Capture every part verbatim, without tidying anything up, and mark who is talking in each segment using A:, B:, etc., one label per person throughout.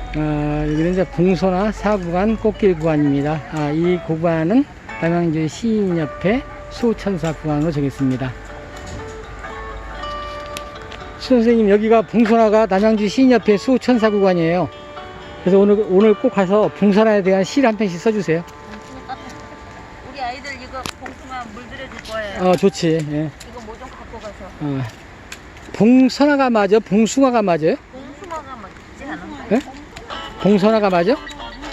A: 어, 여기는 이제 봉소나 사구간 꽃길 구간입니다. 아, 이 구간은 남양주 시인협회 수천사 구간으로 정했습니다. 선생님, 여기가 봉소나가 남양주 시인협회 수천사 구간이에요. 그래서 오늘 오늘 꼭 가서 봉소나에 대한 시 한 편씩 써주세요.
B: 우리 아이들 이거 봉숭아 물들여줄 거예요.
A: 어, 좋지. 예.
B: 이거 뭐 좀 갖고 가서.
A: 어. 봉선화가 맞아? 봉숭아가 맞아요?
B: 봉숭아가 맞지 않은가요?
A: 예? 봉선화가 맞아?
B: 우리는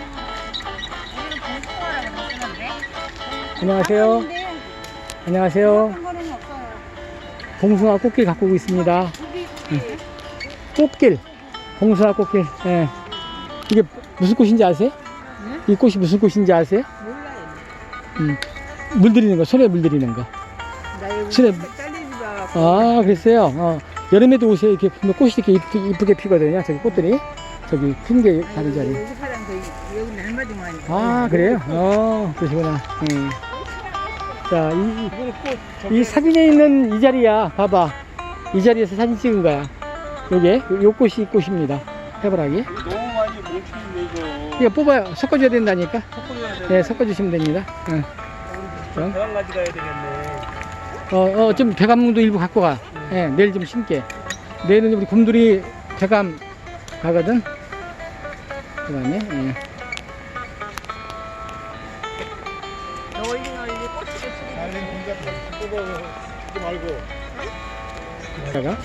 B: 봉숭아라고 쓰는데.
A: 안녕하세요. 안녕하세요.
C: 상관은 없어요.
A: 봉숭아 꽃길 갖고 오고 있습니다. 응. 꽃길. 봉숭아 꽃길. 예. 이게 무슨 꽃인지 아세요?
C: 네?
A: 이 꽃이 무슨 꽃인지 아세요?
C: 몰라요.
A: 음. 물들이는 거, 손에 물들이는 거.
C: 나 여기
A: 손에-
C: 잘리지 마.
A: 아, 글쎄요. 어. 여름에도 오세요. 이렇게 보면 꽃이 이렇게 이쁘게, 이쁘게 피거든요. 저기 꽃들이. 저기 큰 게 다른 자리.
C: 여기 사람도 여기 날마다 많이.
A: 아, 그래요? 어, 그러시구나. 음. 자, 이, 이 사진에 있는 이 자리야. 봐봐. 이 자리에서 사진 찍은 거야. 요게, 요, 요 꽃이 이 꽃입니다. 해바라기.
D: 너무 많이 뭉치는데 이거
A: 이거 뽑아요. 섞어줘야 된다니까.
D: 섞어줘야 돼.
A: 네, 섞어주시면 됩니다. 응.
D: 대왕 가져가야 되겠네.
A: 어, 어, 좀 대감도 일부 갖고 가. 예, 내일 좀 심게. 내일은 우리 곰돌이 대감 가거든. 그 다음에, 예.
B: 널리 널리 꽃이 꽃이.
D: 날린 공작 뽑아주지 말고.
A: 다가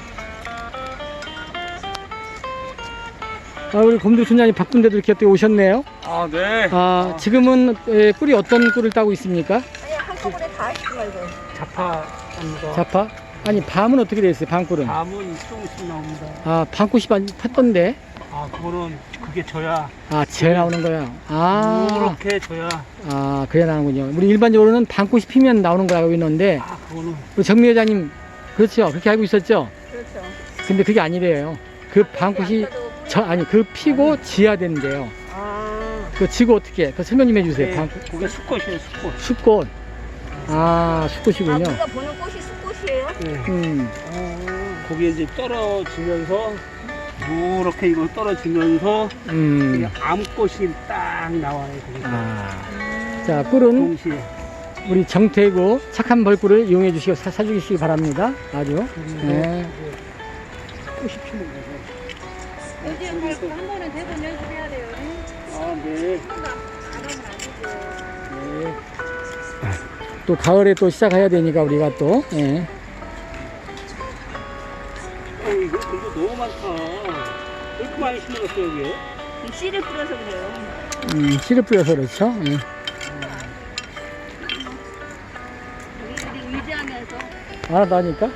A: 아, 우리 곰돌이 촌장님 바쁜데도 이렇게 또 오셨네요.
D: 아 네.
A: 아, 지금은 에, 꿀이 어떤 꿀을 따고 있습니까?
B: 아니 한꺼번에 다 하시지 말고.
D: 자파합니다.
A: 자파? 아니, 밤은 어떻게 돼 있어요? 밤꿀은?
D: 밤은 조금씩 나옵니다.
A: 아, 밤꽃이 많이 폈던데.
D: 아 그거는 그게 져야.
A: 아, 지어 나오는 거야. 아,
D: 이렇게 져야.
A: 아, 그래야 나오는군요. 우리 일반적으로는 밤꽃이 피면 나오는 걸 알고 있는데,
D: 아 그거는
A: 우리 정미 회장님, 그렇죠? 그렇게 알고 있었죠?
B: 그렇죠.
A: 근데 그게 아니래요. 그 밤꽃이 저, 아니, 그 피고 지어야 된대요.
B: 아.
A: 그 지고 어떻게? 그 설명 좀 해주세요.
D: 그게,
A: 밤꽃.
D: 그게 수컷이에요 수컷.
A: 숫꽃. 아,
B: 아,
A: 숫꽃이군요.
B: 우리가 보는 꽃이 숫꽃이에요?
D: 네.
A: 음,
D: 거기에 이제 떨어지면서 이렇게 이거 떨어지면서
A: 음.
D: 그냥 암꽃이 딱 나와요. 거기서.
A: 아. 자, 꿀은
D: 동시에.
A: 우리 정태구 착한 벌꿀을 이용해 주시고 사, 사주시기 바랍니다. 아주. 네.
D: 꽃이 피는 거죠.
C: 요즘 말고 한 번은 대본 연습해야 돼요.
D: 아 네.
A: 네. 또 가을에 또 시작해야 되니까 우리가 또. 예.
D: 어 이거 이거 너무 많다. 왜 이렇게 많이 심어놨어요 여기?
B: 씨를 뿌려서 그래요.
A: 음, 씨를 뿌려서 그렇죠. 예.
B: 우리들이 의지하면서.
A: 알아다니까.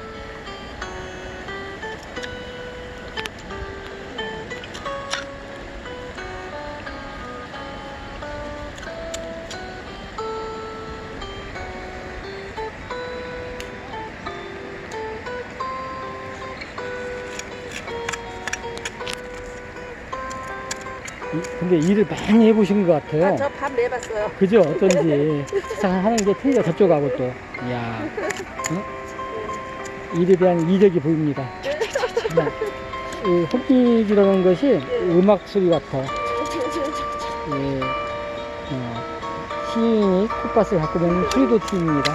A: 근데 일을 많이 해보신 것 같아요.
B: 저 밥 내봤어요.
A: 그죠? 어떤지. 참 하는 게 틀려, 저쪽하고 또. 이야. 어? 일에 대한 이력이 보입니다. 네. 이 헛기기라는 것이 음악 소리 같아. 예. 어. 시인이 콧밭을 갖고 있는 소리도 팀입니다.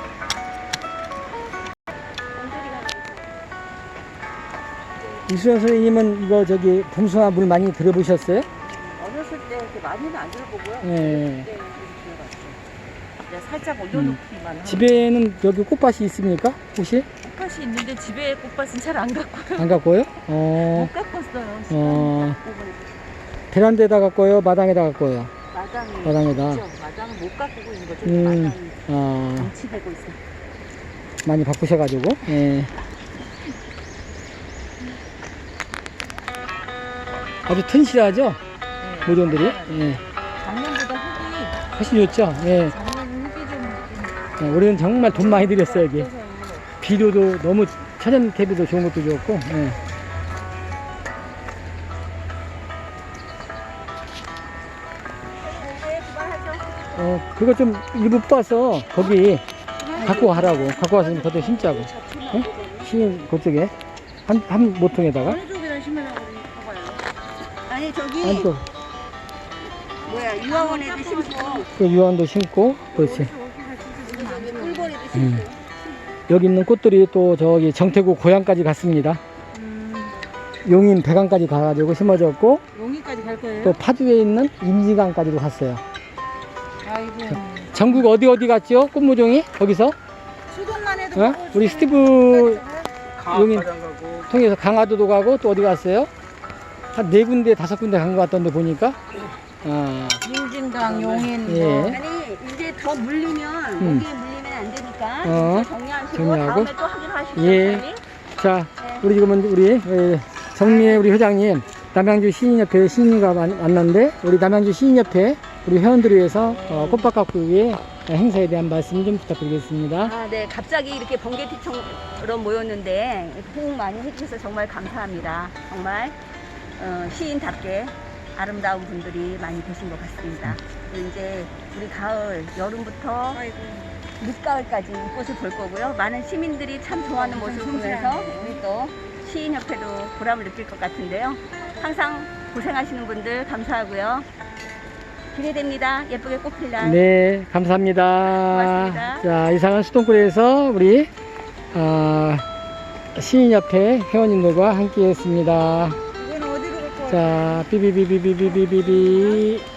A: 이수연 선생님은 이거 저기 봉숭아 물 많이 들어보셨어요?
B: 어렸을 때 이렇게 많이는 안 들어보고요.
A: 예.
B: 네, 들어봤어요. 이제 살짝 올려놓기만 하고.
A: 집에는 여기 꽃밭이 있습니까? 혹시?
B: 꽃밭이 있는데 집에 꽃밭은 잘 안 갖고요.
A: 안 갖고요? 어,
B: 못 갖고 왔어요.
A: 어, 베란다에다 갖고요? 마당에다 갖고요?
B: 마당에.
A: 마당에다.
B: 있죠. 마당은 못 갖고 있는 거죠.
A: 음.
B: 마당이
A: 아,
B: 정치되고 있어요.
A: 많이 바쁘셔가지고. 예. 아주 튼실하죠?
B: 네.
A: 모종들이? 예.
B: 작년보다 흙이
A: 훨씬 좋죠? 예.
B: 작년 흙이 좀, 좀
A: 예, 우리는 정말 돈 많이 들였어요, 여기.
B: 없어서
A: 비료도 너무 천연 대비도 좋은 것도 좋고. 예.
B: 네, 그만하죠.
A: 어, 그거 좀 일부 뽑아서 거기 갖고 가라고. 갖고 와서 좀 걷어 심자고. 예? 심, 그쪽에. 한, 한 모통에다가.
C: 어느 쪽에다 심으려고 그러니 봐봐요.
B: 아니 저기
A: 안쪽
B: 뭐야 유아원에도 심고
A: 그 유황도 심고 그렇지.
B: 저기 꿀벌에도 심고.
A: 음. 여기 있는 꽃들이 또 저기 정태구 고향까지 갔습니다. 용인 백안까지 가가지고 심어졌고
C: 용인까지 갈 거예요?
A: 또 파주에 있는 임지강까지도 갔어요.
C: 아이고.
A: 전국 어디 어디 갔죠? 꽃무종이 거기서
C: 수동만 해도
A: 어?
C: 먹을
A: 우리
C: 수
A: 스티브 용인
D: 가장 가고
A: 통해서 강화도도 가고 또 어디 갔어요? 한 네 군데 다섯 군데 간 것 같던데 보니까. 아,
C: 임진강, 용인,
A: 예.
C: 뭐.
B: 아니 이제 더 물리면
A: 음.
B: 모기에 물리면 안 되니까
A: 어,
B: 이제 정리하시고
A: 정리하고.
B: 다음에 또 확인하시죠.
A: 예.
B: 빨리.
A: 자,
B: 네.
A: 우리 지금은 우리 에, 정미애 우리 회장님 남양주 시인협회 시인과 만- 만났는데 우리 남양주 시인협회 우리 회원들을 위해서 어, 꽃밭 가꾸기의 행사에 대한 말씀 좀 부탁드리겠습니다.
B: 아, 네. 갑자기 이렇게 번개티처럼 모였는데 호응 많이 해주셔서 정말 감사합니다. 정말 어, 시인답게 아름다운 분들이 많이 계신 것 같습니다. 그리고 이제 우리 가을, 여름부터 늦가을까지 이 꽃을 볼 거고요. 많은 시민들이 참 좋아하는 모습을 보면서 우리 또 시인협회도 보람을 느낄 것 같은데요. 항상 고생하시는 분들 감사하고요. 기대됩니다. 예쁘게 꽃필 날.
A: 네, 감사합니다.
B: 고맙습니다.
A: 자, 이상은 수동굴에서 우리 어, 시인협회 회원님들과 함께 했습니다.
C: 이건 어디로 갈 거예요?
A: 자, 삐비비비비비비비.